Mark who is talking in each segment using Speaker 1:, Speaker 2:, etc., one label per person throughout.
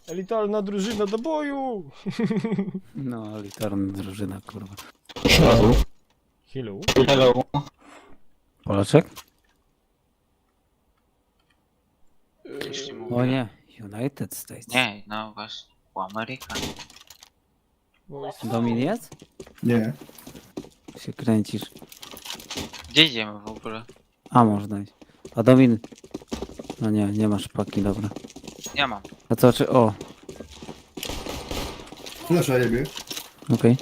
Speaker 1: Elitarna drużyna do boju!
Speaker 2: No, elitarna drużyna, kurwa.
Speaker 3: Hello.
Speaker 1: Hello?
Speaker 3: Hello.
Speaker 2: Polaczek?
Speaker 4: Jeśli
Speaker 2: O
Speaker 4: mówię.
Speaker 2: nie, United States.
Speaker 4: Nie, no właśnie. U Amerykan.
Speaker 2: Domin jest?
Speaker 3: Nie.
Speaker 2: Się kręcisz.
Speaker 4: Gdzie idziemy w ogóle?
Speaker 2: A, można iść. A Domin... No nie, nie masz paki, dobra.
Speaker 4: Ja mam.
Speaker 2: A co, czy... O,
Speaker 3: Flasza jebie.
Speaker 2: okej.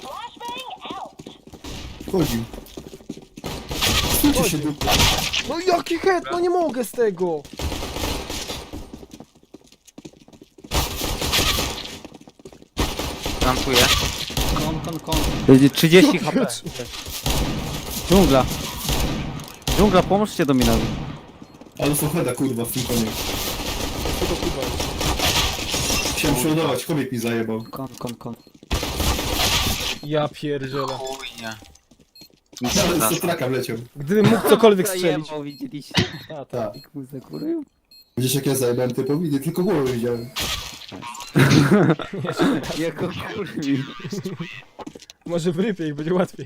Speaker 3: Wchodzi. Stójcie się dupę.
Speaker 1: No jaki head, no nie mogę z tego!
Speaker 4: Plantuję.
Speaker 2: Kon. Będzie 30 HP. Dżungla. Dżungla, pomóżcie Dominowi.
Speaker 3: Ale są heda kurwa w tym konie.
Speaker 1: Tego kurwa jest.
Speaker 3: Chciałem przeładować, kobiet mi zajebał.
Speaker 2: Kon.
Speaker 1: Ja pierdzielę.
Speaker 4: Chujnia. Nic nie
Speaker 3: Nawet
Speaker 4: da.
Speaker 3: z traka wleciał.
Speaker 1: Gdybym mógł cokolwiek strzelić.
Speaker 2: Zajebał, widzieliście?
Speaker 1: A, tak.
Speaker 3: Tak.
Speaker 2: Jak mu zakurył?
Speaker 3: Widzisz jak ja zajebałem typowi? Nie tylko głowę widziałem.
Speaker 2: Jako kurwi.
Speaker 1: Może w rypie ich będzie łatwiej.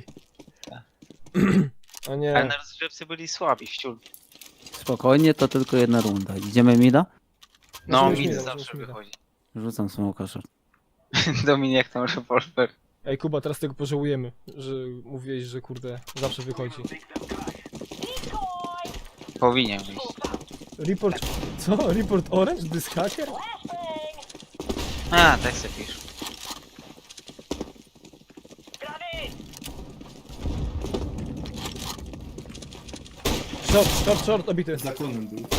Speaker 1: O
Speaker 4: Ale
Speaker 1: nie.
Speaker 4: na rozgrzewce byli słabi, wciul.
Speaker 2: Spokojnie, to tylko jedna runda. Idziemy mida?
Speaker 4: No,
Speaker 1: Możemy
Speaker 4: mi
Speaker 1: śmiga,
Speaker 4: zawsze
Speaker 1: możemy śmiga.
Speaker 4: wychodzi.
Speaker 2: Rzucam smoka short.
Speaker 4: Dominik tam rewolwer.
Speaker 1: Ej Kuba, teraz tego pożałujemy, że mówiłeś, że kurde, zawsze wychodzi.
Speaker 4: Powinien wyjść.
Speaker 1: Report... Co? Report Orange? This hacker?
Speaker 4: A, tak se pisz.
Speaker 1: Short, obity.
Speaker 3: Za konem był.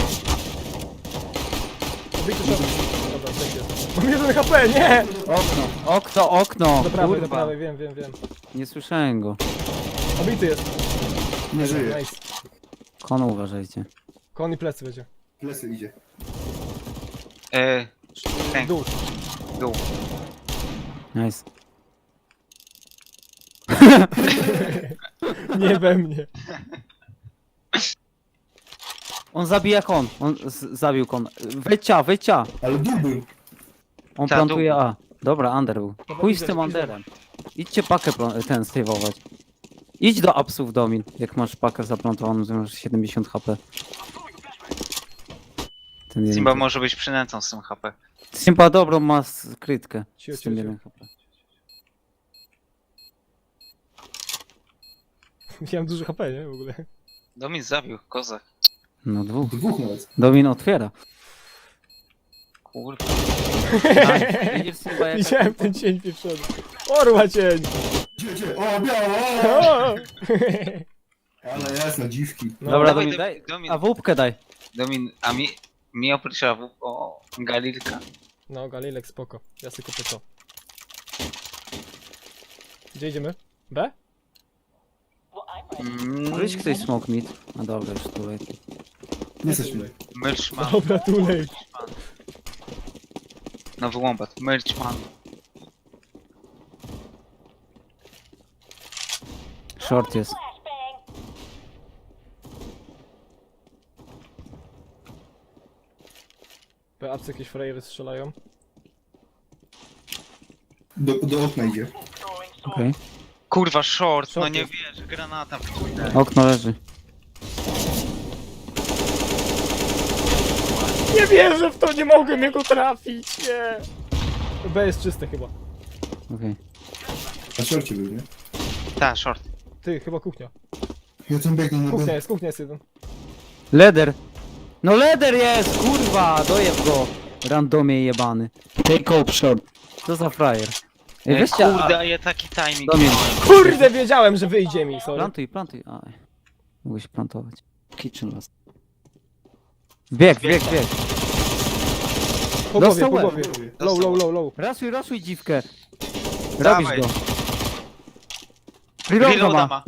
Speaker 1: Obity short. Dobra, tak jest. Mam 1 HP, nie!
Speaker 2: Okno!
Speaker 1: Do prawej, do
Speaker 2: Kurwa.
Speaker 1: prawej, wiem.
Speaker 2: Nie słyszałem go.
Speaker 1: Obity jest.
Speaker 3: Nie żyje.
Speaker 1: Nice.
Speaker 2: Kon uważajcie.
Speaker 1: Kon i plecy będzie.
Speaker 3: Lesy idzie.
Speaker 4: Tęk,
Speaker 1: Dół.
Speaker 4: dół.
Speaker 2: Nice.
Speaker 1: Nie we mnie.
Speaker 2: On zabija kon. On zabił kon. Wycia.
Speaker 3: Ale dół był.
Speaker 2: On
Speaker 4: Ta,
Speaker 2: plantuje
Speaker 4: dół.
Speaker 2: A. Dobra, under był. Pójdź z tym underem. Idźcie pakę ten saveować. Idź do apsów Domin, jak masz pakę zaplantowaną, to masz 70 HP. Ten jeden
Speaker 4: Simba
Speaker 2: typ.
Speaker 4: może być przynętą z tym HP.
Speaker 2: Simba dobrą ma krytkę
Speaker 1: Cio,
Speaker 2: z tym
Speaker 1: cio,
Speaker 2: 1 HP.
Speaker 1: Miałem dużo HP, nie? W ogóle.
Speaker 4: Domin zabił, kozak.
Speaker 2: No dwóch.
Speaker 3: Dwóch nawet.
Speaker 2: Domin otwiera.
Speaker 4: Kurwa.
Speaker 2: Widzisz Simba jak...
Speaker 1: Widziałem ten cień pieprzony. Orła cień!
Speaker 3: Gdzie? O, biało!
Speaker 1: O!
Speaker 3: Ale jasno, dziwki.
Speaker 1: No,
Speaker 2: Dobra,
Speaker 4: Dawaj,
Speaker 2: Domin, daj.
Speaker 4: Domin.
Speaker 2: A wódkę daj.
Speaker 4: Domin, a mi oprócz AW, o Galilka.
Speaker 1: No, Galilek, spoko. Ja sobie kupię to. Gdzie idziemy? B?
Speaker 2: Wyjdź ktoś smoke mid. A dobra, już tu leci.
Speaker 3: Nie jesteśmy.
Speaker 4: Merchman.
Speaker 1: Dobra, too late.
Speaker 4: Nowy łombat. Merchman.
Speaker 2: Short jest.
Speaker 1: B, apsy jakieś frajery strzelają.
Speaker 3: Do okna idzie.
Speaker 2: Okej.
Speaker 4: Kurwa, short, no
Speaker 1: Short
Speaker 4: nie
Speaker 1: jest.
Speaker 4: wiesz, granata w
Speaker 2: Okno leży.
Speaker 1: Nie wierzę w to, nie mogłem jego trafić, nie! B jest czyste chyba.
Speaker 2: Okej.
Speaker 3: Na szorcie był, nie?
Speaker 4: Ta, short.
Speaker 1: Ty, chyba kuchnia.
Speaker 3: Ja tam biegnę na B.
Speaker 1: Kuchnia jest jeden.
Speaker 2: Leder! No leder jest! Kurwa! Dojeb go! Randomie jebany. Take up short. Co za frajer? Ej, weźcie...
Speaker 4: Kurde, a ja taki timing
Speaker 2: Domin.
Speaker 4: miałem.
Speaker 1: Kurde, wiedziałem, że wyjdzie mi, sorry.
Speaker 2: Plantuj. Aj. Mogłeś plantować. Kitchen last. Bieg.
Speaker 1: Po
Speaker 2: Dostał
Speaker 1: głowie,
Speaker 2: łeb.
Speaker 1: po głowie. Low.
Speaker 2: Rasuj dziwkę.
Speaker 4: Dawaj.
Speaker 2: Robisz go. Reloada
Speaker 4: Reloada
Speaker 2: ma.
Speaker 4: ma.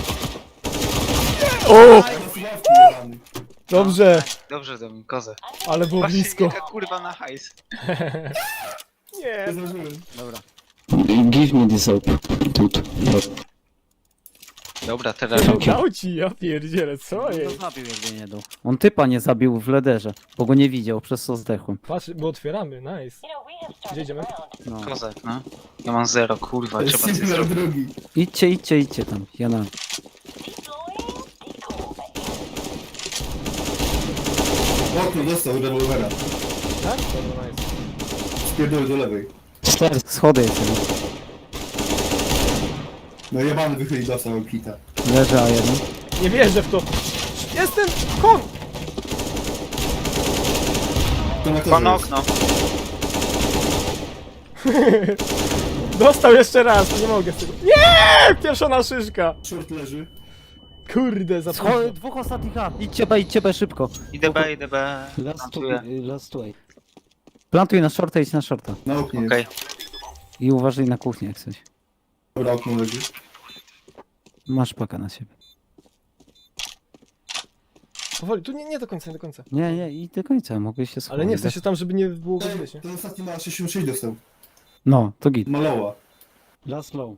Speaker 1: O!
Speaker 3: Ławki jebany.
Speaker 1: Dobrze,
Speaker 4: Dobrze, Domin, kozak.
Speaker 1: ale było
Speaker 4: Patrzcie,
Speaker 1: blisko.
Speaker 4: jaka kurwa na hajs.
Speaker 1: Nie.
Speaker 3: Nie zdążyłem.
Speaker 2: Dobra.
Speaker 5: Give me this up, dude.
Speaker 4: Dobra, teraz żołki.
Speaker 1: Dał ci, ja pierdzielę, co
Speaker 2: No
Speaker 1: jest?
Speaker 2: zabił jakby nie dał. On typa nie zabił w lederze, bo go nie widział, przez co zdechłem.
Speaker 1: Patrz, bo otwieramy, nice. Gdzie idziemy?
Speaker 2: No.
Speaker 4: Kozak, no. Ja mam 0, kurwa, trzeba coś
Speaker 3: Singular
Speaker 4: zrobić.
Speaker 3: drugi.
Speaker 2: Idźcie tam, ja na...
Speaker 3: Okno dostał rewolwera.
Speaker 1: Tak? Dobra, nice.
Speaker 3: Spierdolę do lewej.
Speaker 2: 4 schody jest jeden.
Speaker 3: No jebany wychyli dostał kita.
Speaker 2: Leży A1.
Speaker 1: Nie wierzę w to. Jestem kon!
Speaker 3: To na
Speaker 4: Pan
Speaker 3: to jest.
Speaker 4: okno.
Speaker 1: Dostał jeszcze raz, nie mogę z tego. Nie! Pieszona szyszka.
Speaker 3: Short leży.
Speaker 1: Kurde, za późno.
Speaker 2: Schody, dwóch ostatnich A. Idźcie B szybko.
Speaker 4: Idę B.
Speaker 2: Last way. Plantuj na shorta, idź na shorta.
Speaker 3: Na oknie
Speaker 4: Okej.
Speaker 3: jest.
Speaker 2: I uważaj na kuchnię jak coś.
Speaker 3: Dobra, okno leży.
Speaker 2: Masz paka na siebie.
Speaker 1: Powoli, tu nie do końca, nie do końca.
Speaker 2: Nie, i do końca, mogę się schować.
Speaker 1: Ale nie, w sensie tam, żeby nie było go
Speaker 3: Ej,
Speaker 1: widać, nie?
Speaker 3: ten ostatni ma 66 dostał.
Speaker 2: No, to git.
Speaker 3: Maloła.
Speaker 2: Last low.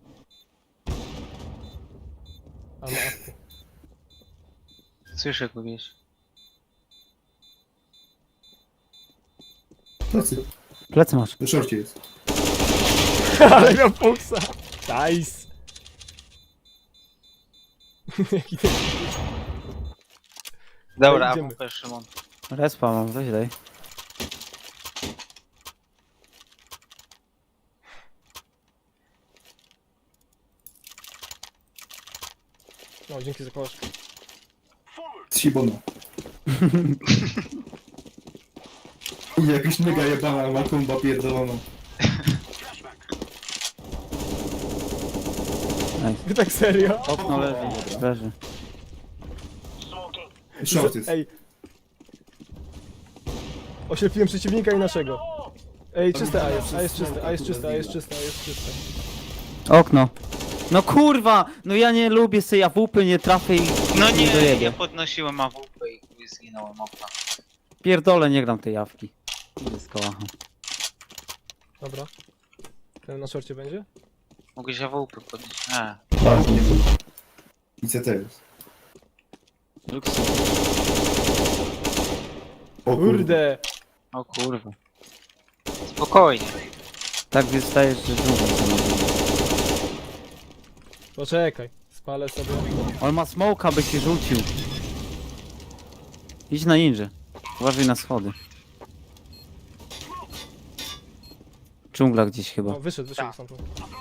Speaker 1: A no,
Speaker 4: Słyszę kogoś.
Speaker 3: Plecy.
Speaker 2: Plecy masz.
Speaker 3: Na szorcie jest.
Speaker 1: ale miał puksa. Nice. Jaki ten...
Speaker 4: Dobra,
Speaker 1: Idziemy.
Speaker 4: AWP Szymon.
Speaker 2: Respa mam, weź daj.
Speaker 1: No, dzięki za kołaszkę.
Speaker 3: Z Sibona. I jakaś mega jebana makumba pierdolona.
Speaker 1: Wy tak serio?
Speaker 2: Okno leży.
Speaker 3: Short jest.
Speaker 1: Ej. Oślepiłem przeciwnika i naszego. Ej, czyste A jest, A jest czyste, A jest czyste, A jest czyste, A jest czyste.
Speaker 2: Okno. No kurwa! No ja nie lubię sobie AWP, nie trafię i
Speaker 4: No nie,
Speaker 2: dojedę.
Speaker 4: ja podnosiłem AWP i chuj zginąłem okna.
Speaker 2: Pierdolę, nie gram tej jawki. Idę z kołachą.
Speaker 1: Dobra. Ten na szorcie będzie?
Speaker 4: Mogłeś AWP podnieść. A,
Speaker 3: Na oknie. I CT jest. O
Speaker 1: Kurde!
Speaker 4: o kurwa. Spokojnie.
Speaker 2: Tak wystajesz, że dżungla.
Speaker 1: Poczekaj, spalę sobie.
Speaker 2: On ma smoka, by ci rzucił. Idź na ninja. Uważaj na schody. Dżungla gdzieś chyba.
Speaker 1: No, wyszedł stamtąd.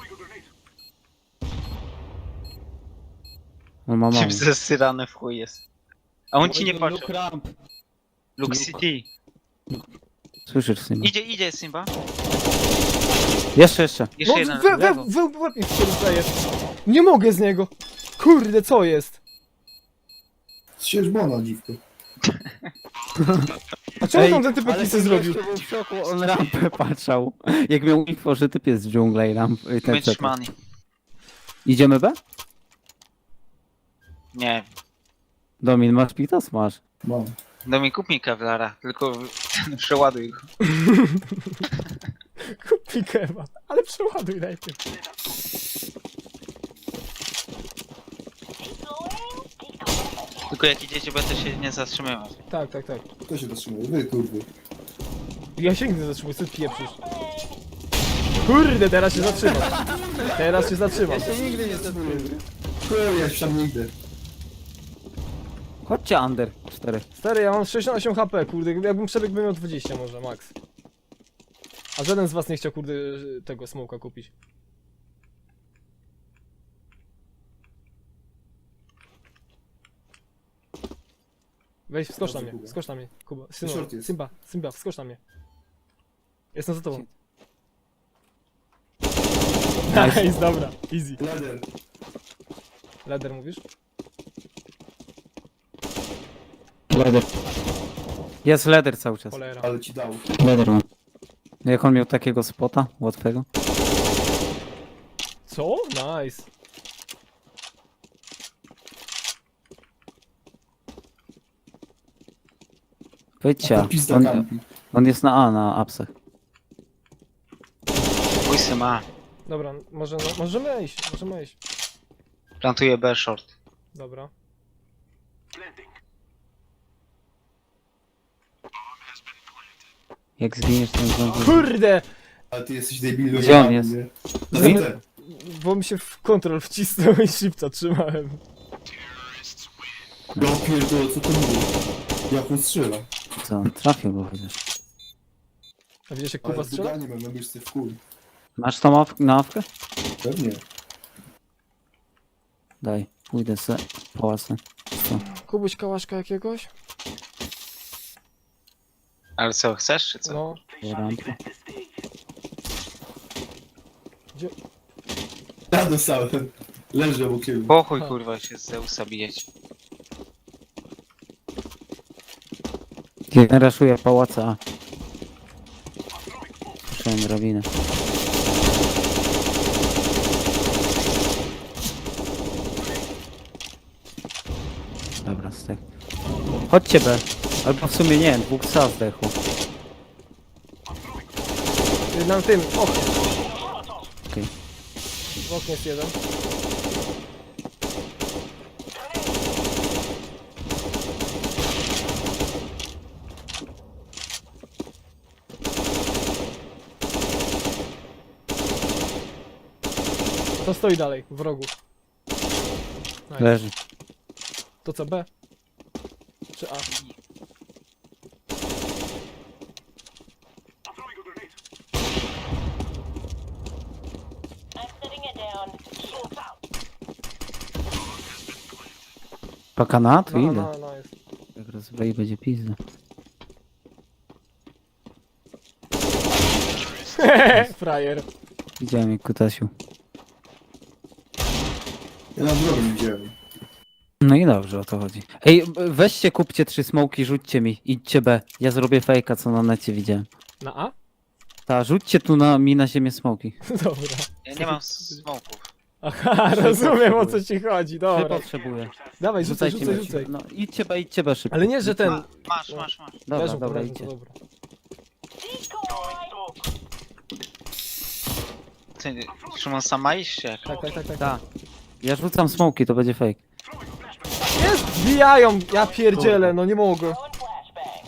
Speaker 2: On ma mało.
Speaker 4: Czym zesyrany w chuj jest. A on ci nie patrzy.
Speaker 2: Look ramp.
Speaker 4: Look City.
Speaker 2: Słyszysz Simba?
Speaker 4: Idzie Simba.
Speaker 2: Jeszcze.
Speaker 4: Jeszcze
Speaker 1: No,
Speaker 4: jeden.
Speaker 1: łeb mi wstaje. Nie mogę z niego! Kurde, co jest?
Speaker 3: Sierzbona, dziwko.
Speaker 1: A czemu tam ten typek nic nie zrobił?
Speaker 2: Był w szoku, on rampę patrzał. Jak miał info, że typ jest w dżungla i ramp. I ten
Speaker 4: Mitch Money.
Speaker 2: Idziemy B?
Speaker 4: Nie.
Speaker 2: Domin, masz pitas? Masz.
Speaker 3: Mam.
Speaker 4: No mi kup mi Kevlara, tylko przeładuj go.
Speaker 1: Kupi kebab, ale przeładuj najpierw.
Speaker 4: Tylko jak idziecie, będę się nie zatrzymywać.
Speaker 1: Tak.
Speaker 3: Kto się zatrzymuje? Wy, kurwy.
Speaker 1: Ja się nigdy zatrzymuję, co ty pieprzysz? Kurde, teraz się zatrzymam. Teraz się zatrzymam.
Speaker 2: nigdy nie zatrzymuję.
Speaker 3: Kurwa, ja się tam nie idę.
Speaker 2: Chodźcie under 4.
Speaker 1: Stary, ja mam 68 HP, kurde, jakbym przebiegł, bym miał 20 może, max. A żaden z was nie chciał, kurde, tego smoka kupić. Weź, wskocz na mnie, wskocz na mnie, Kuba.
Speaker 3: Short jest.
Speaker 1: Simba, wskocz na mnie. Jestem za tobą. Nice, dobra, easy.
Speaker 3: Lader.
Speaker 1: Leder mówisz?
Speaker 2: Leder. Jest leder cały czas.
Speaker 1: Cholera.
Speaker 3: Ale ci dał.
Speaker 2: Leder mam. Jak on miał takiego spota łatwego?
Speaker 1: Co? Nice.
Speaker 2: Wyjdźcie.
Speaker 3: Pizda
Speaker 2: On,
Speaker 3: kampi.
Speaker 2: on jest na apsach.
Speaker 4: Chuj se ma.
Speaker 1: Dobra, możemy iść, możemy iść.
Speaker 4: Plantuję B short.
Speaker 1: Dobra.
Speaker 2: Jak zginiesz ten zombie...
Speaker 1: Kurde!
Speaker 3: Ale ty jesteś debilem.
Speaker 2: Gdzie on jest?
Speaker 3: nie? No
Speaker 1: Zamy-
Speaker 3: widzę.
Speaker 1: Bo mi się w kontrol wcisnął i shifta trzymałem.
Speaker 3: Ja pierdolę, co to mówi? Jak on strzela?
Speaker 2: Co? Trafił go chociaż.
Speaker 1: A widzisz jak
Speaker 3: Ale
Speaker 1: Kuba
Speaker 3: z
Speaker 1: strzela?
Speaker 3: nie mam na myszce w kul.
Speaker 2: Masz tą nawkę?
Speaker 3: Pewnie.
Speaker 2: Daj, pójdę se pałacę. Co?
Speaker 1: Kubuś kałaszka jakiegoś?
Speaker 4: Ale co, chcesz czy co?
Speaker 1: No.
Speaker 2: Rampa.
Speaker 3: Ja dostałem. Leżę u ciebie.
Speaker 4: Pochuj
Speaker 1: Ha.
Speaker 4: kurwa się z Zeusa bijeć.
Speaker 2: Raszuję pałaca A. Słyszałem drabinę. Dobra, stek. Chodźcie B. Albo w sumie nie, dwóch psa zdechło.
Speaker 1: Na tym, w oknie.
Speaker 2: Okej.
Speaker 1: W oknie jest jeden. To stoi dalej, w rogu. Nice.
Speaker 2: Leży.
Speaker 1: To co, B? Czy A?
Speaker 5: I'm setting it down. Shields out.
Speaker 2: Paka na to
Speaker 1: No,
Speaker 2: idę.
Speaker 1: no, jest.
Speaker 2: Jak rozbroi będzie pizda.
Speaker 1: Frajer.
Speaker 2: Widziałem jak kutasiu.
Speaker 3: Ja na drogę nie widziałem.
Speaker 2: No i dobrze, o to chodzi. Ej, weźcie, kupcie 3 smoki, rzućcie mi. Idźcie B. Ja zrobię fejka, co na necie widziałem.
Speaker 1: Na A?
Speaker 2: Ta, rzućcie tu mi na ziemię smoki.
Speaker 1: Dobra.
Speaker 4: Ja nie mam smoków.
Speaker 1: Aha, rozumiem o co ci chodzi,
Speaker 2: Ty
Speaker 1: dobra.
Speaker 2: potrzebuję.
Speaker 1: Dawaj, rzucaj,
Speaker 2: Rzucajcie
Speaker 1: rzucaj,
Speaker 2: mi.
Speaker 1: rzucaj.
Speaker 2: No, idźcie B szybko.
Speaker 1: Ale nie, że ten...
Speaker 4: Masz.
Speaker 2: Dobra,
Speaker 1: Leżą,
Speaker 2: dobra,
Speaker 1: leżą,
Speaker 2: idźcie.
Speaker 1: to dobra.
Speaker 4: Ty, Szymon, sama iść jak?
Speaker 1: Tak.
Speaker 2: Ta. Ja rzucam smoki, to będzie fake.
Speaker 1: Jest! Wbijają! Ja pierdzielę, no nie mogę.
Speaker 5: Throwing flashbang.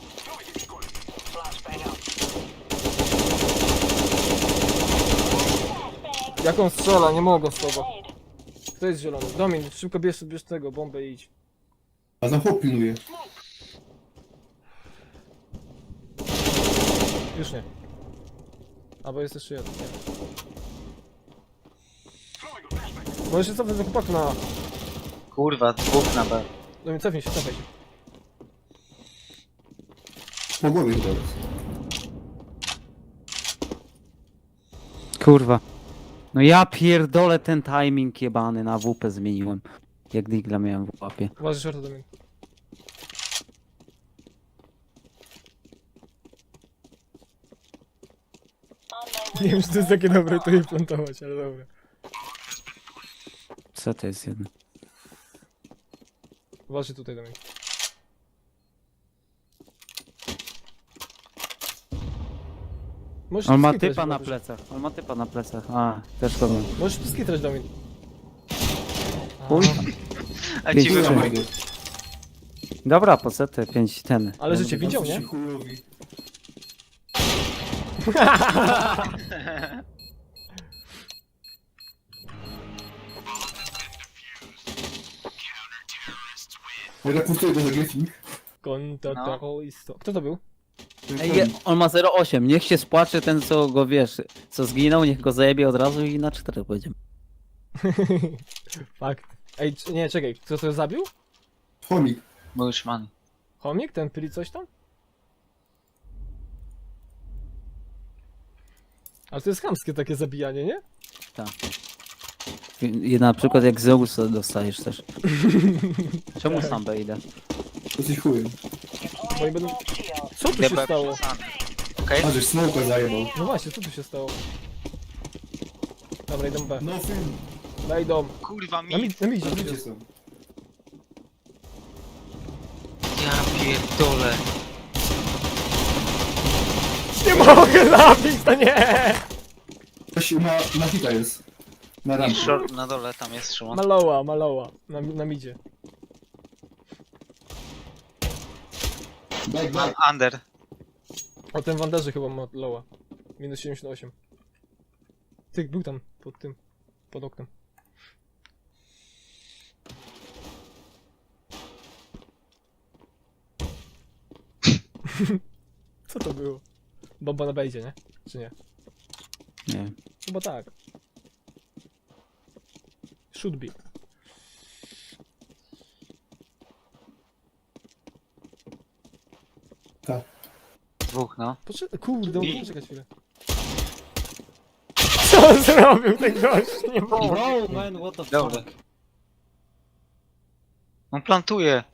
Speaker 1: Jak on strzela, nie mogę z tobą.
Speaker 5: Grenade.
Speaker 1: Kto jest zielony? Domin, szybko bierz tego, bombę i idź.
Speaker 3: A tam chłop pilnuje.
Speaker 1: Już nie. Albo jest jeszcze jeden, nie. Możesz się cofnąć do chłopaku na A.
Speaker 4: Kurwa, dwóch na B.
Speaker 1: Domin, cofnij się, cofnij się.
Speaker 3: Po głowie chyba jest.
Speaker 2: Kurwa. No ja pierdolę ten timing jebany na WP zmieniłem. Jak digla miałem w łapie.
Speaker 1: Uważaj, żarto, Domin.
Speaker 5: On my
Speaker 1: Nie
Speaker 5: way.
Speaker 1: wiem, czy to jest takie dobre to jej plantować, ale dobra.
Speaker 2: Co to jest jeden?
Speaker 1: Uważaj tutaj, Domin. Możesz
Speaker 2: On ma
Speaker 1: skitrać,
Speaker 2: typa na
Speaker 1: jak
Speaker 2: plecach. On ma typa na plecach. A, też to wiem.
Speaker 1: Możesz skitrać, Domin.
Speaker 2: Chuj.
Speaker 1: Aha.
Speaker 4: A
Speaker 2: Pięć
Speaker 4: ci
Speaker 2: trzy.
Speaker 4: wychodzi.
Speaker 2: Dobra, po co te 5 ten.
Speaker 1: Ale życie widział, nie?
Speaker 3: Jesteście chujowi. Ja repustuję go za Griffin.
Speaker 1: Konta
Speaker 4: No.
Speaker 1: terrorysto. Kto to był?
Speaker 2: Ej, on ma 0,8. Niech się spłacze ten, co go wiesz, co zginął, niech go zajebie od razu i na 4 pójdziemy.
Speaker 1: Fakt. Ej, nie, czekaj, kto to zabił?
Speaker 3: Chomik.
Speaker 4: Bushman.
Speaker 1: Chomik? Ten pyli coś tam? Ale to jest chamskie takie zabijanie, nie?
Speaker 2: I na przykład jak Zeus dostajesz też. Czemu sam B idę?
Speaker 3: Jesteś chujem.
Speaker 1: Bo oni będą...
Speaker 5: Shield.
Speaker 1: Co tu się
Speaker 4: DB
Speaker 1: stało?
Speaker 4: przesany. Okej?
Speaker 3: A żeś smoka zajebał.
Speaker 1: No właśnie, co tu się stało? Dobra, idą B.
Speaker 3: No film.
Speaker 1: Idą.
Speaker 4: Kurwa mi.
Speaker 1: Na mi
Speaker 3: Na
Speaker 1: idzie.
Speaker 3: życie są.
Speaker 4: Ja pierdolę.
Speaker 1: Nie mogę zabić, to nie!
Speaker 3: Ktoś na hita jest. Na
Speaker 4: I
Speaker 3: rampie.
Speaker 4: short na dole, tam jest Szymon.
Speaker 1: Maloła. Na midzie.
Speaker 3: Back.
Speaker 4: Under.
Speaker 1: O, ten wanderze chyba ma lowa. Minus 78. Ty, był tam, pod oknem. Co to było? Bomba na bejdzie, nie? Czy nie?
Speaker 2: Nie.
Speaker 1: Chyba tak. Should be.
Speaker 4: Dwóch, no.
Speaker 1: Poczekaj, kurde, muszę czekać chwilę. Co zrobił ten gość? Nie mogę.
Speaker 2: Bro, man, what the
Speaker 4: Dobra.
Speaker 2: fuck?
Speaker 4: On plantuje.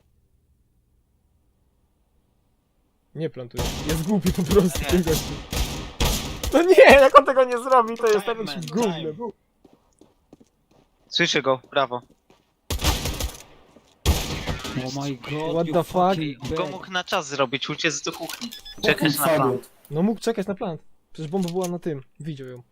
Speaker 1: Nie plantuję. Jest głupi po prostu
Speaker 4: Nie.
Speaker 1: ten gość. No nie, jak on tego nie zrobi, to jest
Speaker 4: Time,
Speaker 1: takim
Speaker 4: man,
Speaker 1: gównem.
Speaker 4: Słyszę go, prawo.
Speaker 2: Oh my god,
Speaker 1: What
Speaker 2: you
Speaker 1: the fuck?
Speaker 2: fucking
Speaker 4: On go
Speaker 2: bad.
Speaker 4: mógł na czas zrobić, uciec do kuchni. Czekać na
Speaker 3: Fagot.
Speaker 4: plan.
Speaker 1: No mógł czekać na plant. Przecież bomba była na tym. Widział ją.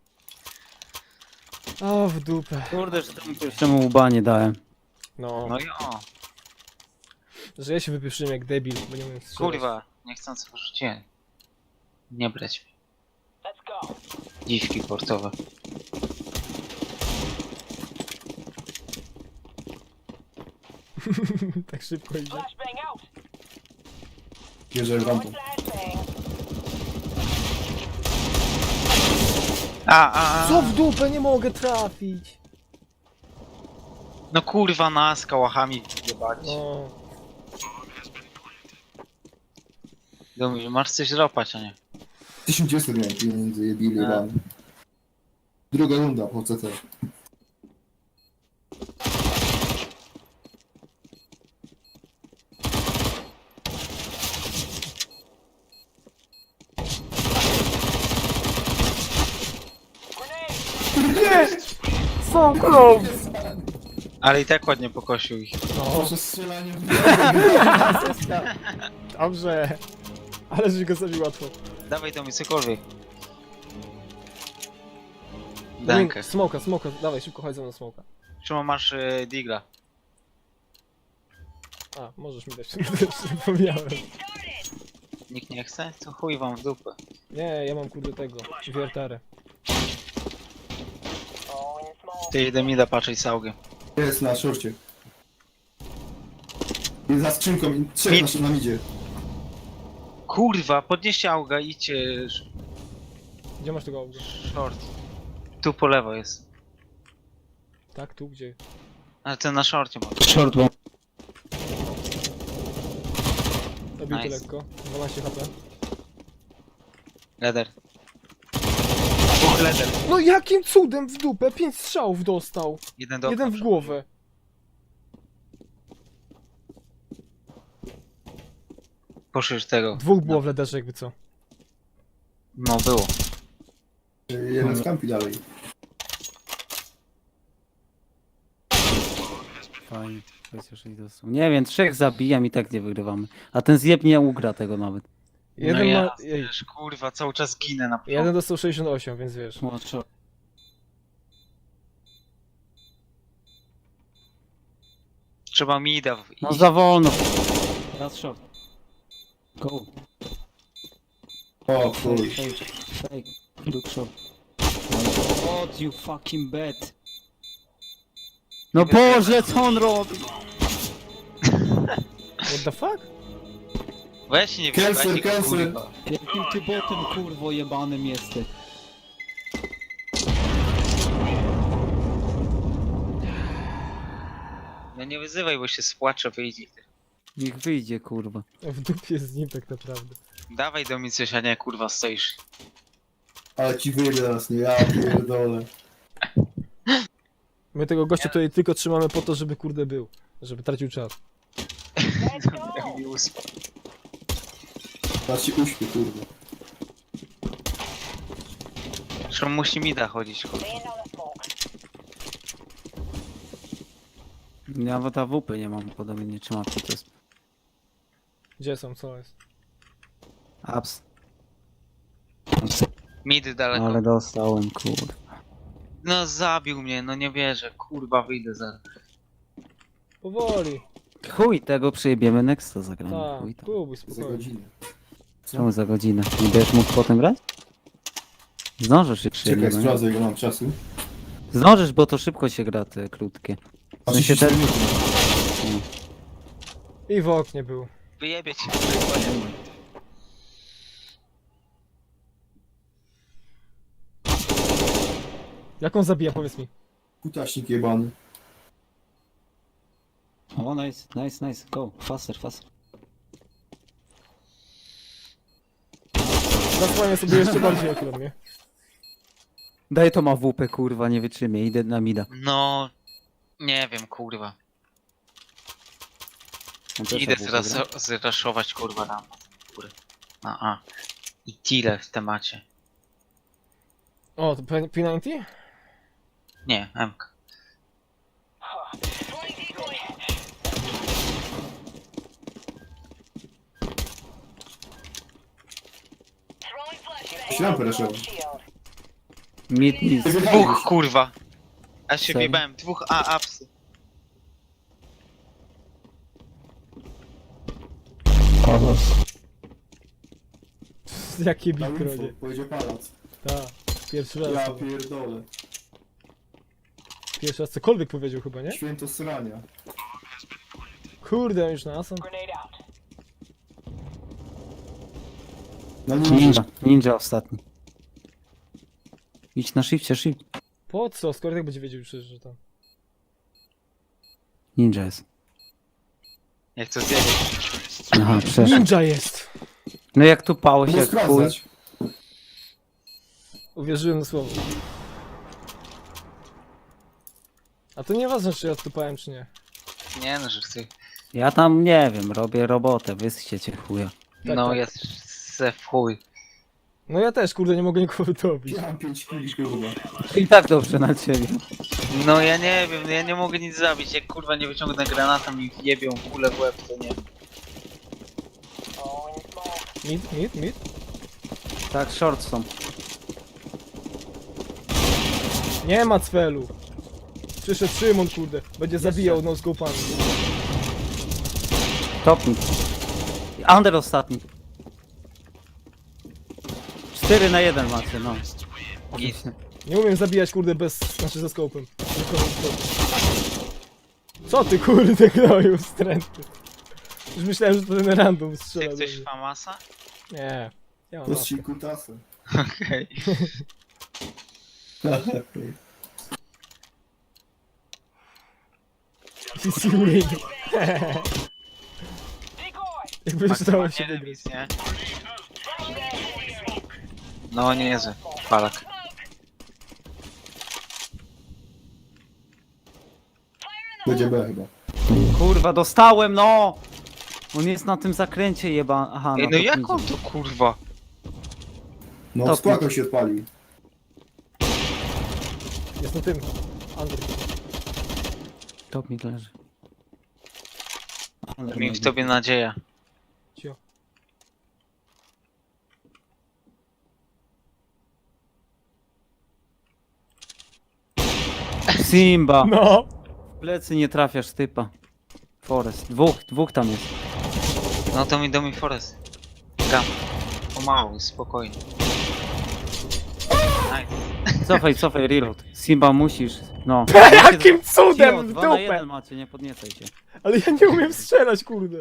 Speaker 1: O, w dupę.
Speaker 2: Kurde, że temu pierwszemu łba nie dałem.
Speaker 1: No,
Speaker 4: No i o,
Speaker 1: że ja się wypieprzyłem jak debil, bo nie umiem strzelać.
Speaker 4: kurwa, niechcący wyrzuciłem. Nie brać mi.
Speaker 5: Let's go.
Speaker 4: Dziwki portowe.
Speaker 1: Tak szybko idzie.
Speaker 5: Flashbang out.
Speaker 3: Bierze rampą.
Speaker 5: Flashbang.
Speaker 1: Co w dupę, nie mogę trafić.
Speaker 4: No kurwa, nas kałachami jebać.
Speaker 1: No,
Speaker 4: Думаю, masz coś złapać, a nie?
Speaker 3: 1900 miałem pieniędzy, jebili
Speaker 4: A.
Speaker 3: wam. Druga runda po CT.
Speaker 1: so close.
Speaker 4: Ale i tak ładnie pokosił ich.
Speaker 1: No,
Speaker 3: Proszę strzelanie w
Speaker 1: dobrze. Ale żeś go zabił łatwo.
Speaker 4: Dawaj to mi cokolwiek. Dankę.
Speaker 1: Smoka, dawaj, szybko chodź ze mną smoka.
Speaker 4: Czemu masz digla?
Speaker 1: A, możesz mi dać, zapomniałem.
Speaker 4: Nikt nie chce? To chuj wam w dupę.
Speaker 1: Nie, ja mam kurde tego, wiertarę.
Speaker 5: Oh, in small.
Speaker 4: Ty idę mi da patrzeć całkiem.
Speaker 3: Jest na szorcie. Jest za skrzynką i trzech nam idzie.
Speaker 4: Kurwa, podnieście auga, idźcie
Speaker 1: Gdzie masz tego auga?
Speaker 4: short. Tu po lewo jest.
Speaker 1: Tak, tu, gdzie?
Speaker 4: Ale ten na shorcie ma.
Speaker 2: Short bomb.
Speaker 1: Zabity
Speaker 4: Nice.
Speaker 1: lekko, 12 HP.
Speaker 4: Leder. Dwóch leder.
Speaker 1: No jakim cudem w dupę? 5 strzałów dostał.
Speaker 4: Jeden do
Speaker 1: Jeden
Speaker 4: okna
Speaker 1: w głowę.
Speaker 4: Poszły tego.
Speaker 1: Dwóch było w lederze jakby co.
Speaker 4: No było.
Speaker 3: Jeden z kampi dalej.
Speaker 2: Fajnie, chociaż ich dostał. Nie wiem, 3 zabijam i tak nie wygrywamy. A ten zjeb nie ugra tego nawet.
Speaker 1: Jeden
Speaker 4: no ja,
Speaker 1: ma... Ej,
Speaker 4: wiesz, kurwa, cały czas ginę na
Speaker 1: jeden dostał 68, więc wiesz.
Speaker 4: Trzeba mi da
Speaker 2: No za wolno. Raz short. Go.
Speaker 3: O chuj.
Speaker 2: Fake. Fake. Look short. God, you fucking bad. No Boże, co on robi?
Speaker 1: What the fuck?
Speaker 4: Weź nie
Speaker 3: Cancel,
Speaker 4: wyjebajcie go,
Speaker 3: cancel.
Speaker 4: kurwa.
Speaker 2: Jakim ty botem, kurwo, jebanym jesteś?
Speaker 4: No nie wyzywaj, bo się spłacze, wyjdzie.
Speaker 2: Niech wyjdzie, kurwa.
Speaker 1: W dupie z nim tak naprawdę.
Speaker 4: Dawaj do mnie coś, a nie kurwa stoisz.
Speaker 3: Ale ci wyjdzie teraz, nie ja pierdolę.
Speaker 1: My tego gościa tutaj tylko trzymamy po to, żeby kurde był. Żeby tracił czas.
Speaker 5: Let's go.
Speaker 4: Jak mi uspał.
Speaker 3: Teraz się uśpię, kurde.
Speaker 4: Zresztą musi mi da chodzić, kurwa.
Speaker 5: Laying down the smoke.
Speaker 2: Ja ta WP nie mam, podobnie nie trzymam to jest.
Speaker 1: Gdzie są, co jest?
Speaker 2: Ups.
Speaker 4: Mid daleko.
Speaker 2: Ale dostałem, kurwa.
Speaker 4: No zabił mnie, no nie wierzę, kurwa wyjdę zaraz.
Speaker 1: Powoli.
Speaker 2: Chuj, tego przyjebiemy nexta zagramy.
Speaker 1: Tak,
Speaker 2: Chuj tam.
Speaker 1: próbuj,
Speaker 3: Za
Speaker 1: spokojnie.
Speaker 3: godzinę.
Speaker 2: Czemu za godzinę? Nie będziesz mógł potem grać? Zdążysz się
Speaker 3: Czekaj,
Speaker 2: przyjebiemy.
Speaker 3: sprawdzę ile mam czasu.
Speaker 2: Zdążysz, bo to szybko się gra te krótkie. W sensie
Speaker 3: 34
Speaker 2: te...
Speaker 3: minuty.
Speaker 1: I w oknie był.
Speaker 4: Wyjebie cię.
Speaker 1: Jak on zabija, powiedz mi.
Speaker 3: Kutaśnik jebany.
Speaker 2: O, nice, go, faster.
Speaker 1: Zasłania sobie jeszcze bardziej akurat mnie.
Speaker 2: Daj to ma WP, kurwa, nie wytrzymie, idę na mida.
Speaker 4: No... Nie wiem, kurwa.
Speaker 2: On też
Speaker 4: Idę
Speaker 2: ma WP
Speaker 4: teraz
Speaker 2: gra.
Speaker 4: zraszować, kurwa, rampę. A. I tyle w temacie.
Speaker 1: O, to P90?
Speaker 4: Nie, MK.
Speaker 3: Ślampę reszową.
Speaker 2: Mid.
Speaker 4: Dwóch, kurwa. Ja się
Speaker 2: Serio?
Speaker 4: wjebałem, dwóch apsy.
Speaker 1: Jakie
Speaker 3: Na info,
Speaker 1: bikronie.
Speaker 3: powiedział pałac.
Speaker 1: Tak, pierwszy raz.
Speaker 3: Ja pierdolę.
Speaker 1: Pierwszy raz cokolwiek powiedział chyba, nie?
Speaker 3: Święto srania.
Speaker 1: Kurde, on już na asan.
Speaker 3: Na ninja.
Speaker 2: Ninja ostatni. Idź na shifcie, shift.
Speaker 1: Po co? Skoro tak będzie wiedział przecież, że tam.
Speaker 2: Ninja jest.
Speaker 4: Jak to zjedzie.
Speaker 2: Aha, przeszedł.
Speaker 1: Ninja jest!
Speaker 2: No jak tu pałeś
Speaker 3: Mógł
Speaker 2: jak chuj.
Speaker 3: sprawdzać.
Speaker 1: Uwierzyłem na słowo. A to nieważne, czy ja stupałem, czy nie.
Speaker 4: Nie no, że chcę.
Speaker 2: Ja tam nie wiem, robię robotę, wyschcie cię chuja.
Speaker 4: No
Speaker 1: tak.
Speaker 4: jest se w chuj.
Speaker 1: No ja też, kurde, nie mogę nikogo dobić.
Speaker 3: Ja mam 5 kili, kurwa.
Speaker 2: I tak dobrze na ciebie.
Speaker 4: No ja nie wiem, ja nie mogę nic zabić. Jak kurwa nie wyciągnę granatem i jebią kulę w łeb, to nie.
Speaker 1: Mid?
Speaker 2: Tak, short są.
Speaker 1: Nie ma cfelu. Przyszedł Szymon, kurde. Będzie zabijał no-scopami.
Speaker 2: Top mid. Under ostatni. 4 na 1 macie, no.
Speaker 4: Git.
Speaker 1: Nie umiem zabijać, kurde, znaczy ze skopem. Tylko non-scopem. Co ty, kurde, gnoju, wstrętny. Już myślałem, że to ten random
Speaker 4: Chce
Speaker 1: strzela. do
Speaker 4: ktoś
Speaker 1: mnie.
Speaker 4: famasa?
Speaker 1: Nie. Ja mam
Speaker 3: To
Speaker 1: maskę.
Speaker 3: jest ci kutasy.
Speaker 4: Okej.
Speaker 1: CC win. Jakby stało się
Speaker 4: Maksymalnie
Speaker 1: wygrać.
Speaker 4: remis, nie? No niezły. Palak.
Speaker 3: Będzie B chyba.
Speaker 2: Kurwa, dostałem, no! On jest na tym zakręcie jeba... Aha,
Speaker 4: Ej,
Speaker 2: na
Speaker 4: no
Speaker 2: top
Speaker 4: jak
Speaker 2: midzie.
Speaker 4: on to kurwa?
Speaker 3: No,
Speaker 2: Top
Speaker 3: skłakał się odpalił.
Speaker 1: Jest na tym. Andrzej.
Speaker 2: Top mid leży. Under
Speaker 4: Mi w
Speaker 2: mid.
Speaker 4: tobie nadzieja.
Speaker 1: Cio.
Speaker 2: Simba!
Speaker 1: No!
Speaker 2: W plecy nie trafiasz typa. Forest. Dwóch tam jest.
Speaker 4: No to mi do mi forest. Gam. Pomału, spokojnie. Nice.
Speaker 2: Cofaj, reload. Simba musisz, no.
Speaker 1: Jakim cudem w
Speaker 2: 2 na 1
Speaker 1: dupę!
Speaker 2: macie, nie podniecaj się.
Speaker 1: Ale ja nie umiem strzelać, kurde.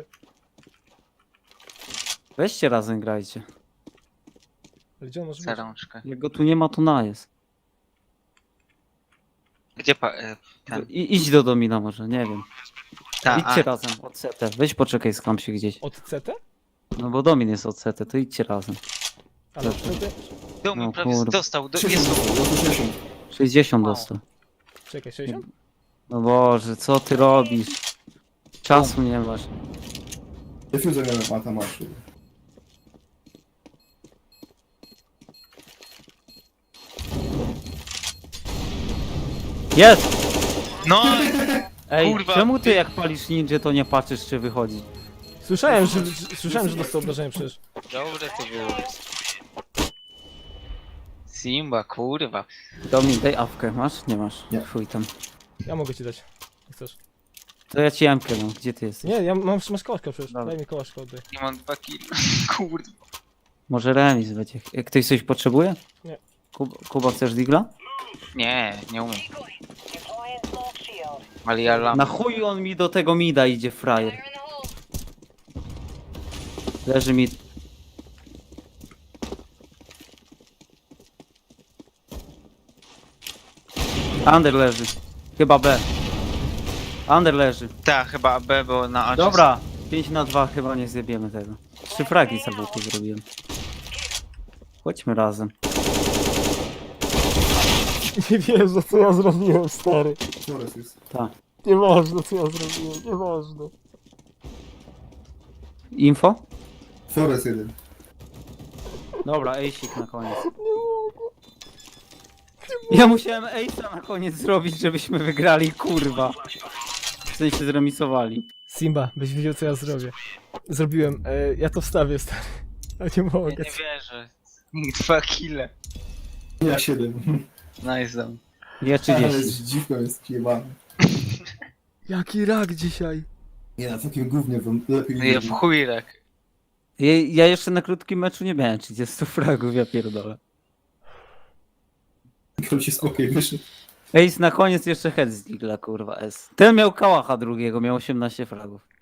Speaker 2: Weźcie razem grajcie.
Speaker 1: Ale gdzie on może być?
Speaker 4: Zarączkę.
Speaker 2: Jak go tu nie ma, to na jest.
Speaker 4: Gdzie ten?
Speaker 2: Idź do domina może, nie wiem.
Speaker 4: Ta,
Speaker 2: Idźcie razem od CT. Weź poczekaj, skam się gdzieś.
Speaker 1: Od CT?
Speaker 2: No bo domin jest od CT, to idźcie razem.
Speaker 1: Ale
Speaker 2: Dobrze.
Speaker 1: CT?
Speaker 4: do mnie
Speaker 2: No
Speaker 4: prawie
Speaker 2: kurwa.
Speaker 4: dostał. Jest
Speaker 3: 60.
Speaker 2: 60
Speaker 4: Mało.
Speaker 2: dostał.
Speaker 1: Czekaj, 60?
Speaker 2: No Boże, co ty robisz? Czasu nie masz.
Speaker 3: Defuzę miałem, a tam masz.
Speaker 2: Jest!
Speaker 4: No!
Speaker 2: Ej,
Speaker 4: Kurwa,
Speaker 2: czemu ty jak palisz ninja, to nie patrzysz czy wychodzi?
Speaker 1: Słyszałem, że dostał obrażenia przecież.
Speaker 4: Dobre to było. Simba, kurwa.
Speaker 2: Domin, daj awkę. Masz? Nie masz.
Speaker 3: Nie.
Speaker 2: Chuj tam.
Speaker 1: Ja mogę ci dać. Jak chcesz.
Speaker 2: To ja ci jamkę dam. Gdzie ty jesteś?
Speaker 1: Nie, masz kołaszka przecież.
Speaker 2: Dobra.
Speaker 1: Daj mi kołaszka, oddaj.
Speaker 4: Nie mam 2 kill. Kurwa.
Speaker 2: Może remis będzie. Ktoś coś potrzebuje?
Speaker 1: Nie.
Speaker 2: Kuba, chcesz digla?
Speaker 4: Nie umiem.
Speaker 5: Deploying smoke shield.
Speaker 4: Ale ja lam.
Speaker 2: Na chuj on mi do tego mida idzie, frajer. Leży mid. Under leży. Chyba B. Under leży.
Speaker 4: Tak, chyba B, bo na A.
Speaker 2: Dobra. 5-2 chyba nie zjebiemy tego. 3 fragi zabójki zrobiłem. Chodźmy razem.
Speaker 1: Nie wierzę, co ja zrobiłem, stary.
Speaker 3: Flores jest.
Speaker 2: Tak.
Speaker 1: Nieważne, co ja zrobiłem, nieważne.
Speaker 2: Info?
Speaker 3: Flores jeden.
Speaker 2: Dobra, ace'ik na koniec. Ja musiałem ace'a na koniec zrobić, żebyśmy wygrali, kurwa. W sensie zremisowali.
Speaker 1: Simba, byś wiedział, co ja zrobię. Zrobiłem, ja to wstawię, stary. Ja nie
Speaker 4: Ja
Speaker 1: mogę.
Speaker 4: nie wierzę. 2 kille.
Speaker 3: Ja 7.
Speaker 4: Nice dam.
Speaker 2: Ja
Speaker 3: Ale
Speaker 2: 30.
Speaker 3: z dziwką jest jebany.
Speaker 1: Jaki rak dzisiaj.
Speaker 3: Nie, na takim gównie wam lepiej
Speaker 4: Ja w chuj rak.
Speaker 2: Ja jeszcze na krótkim meczu nie miałem 30 fragów, ja pierdolę.
Speaker 3: Król się spokój wyszedł.
Speaker 2: Ace na koniec jeszcze head z Digla, kurwa S. Ten miał kałacha drugiego, miał 18 fragów.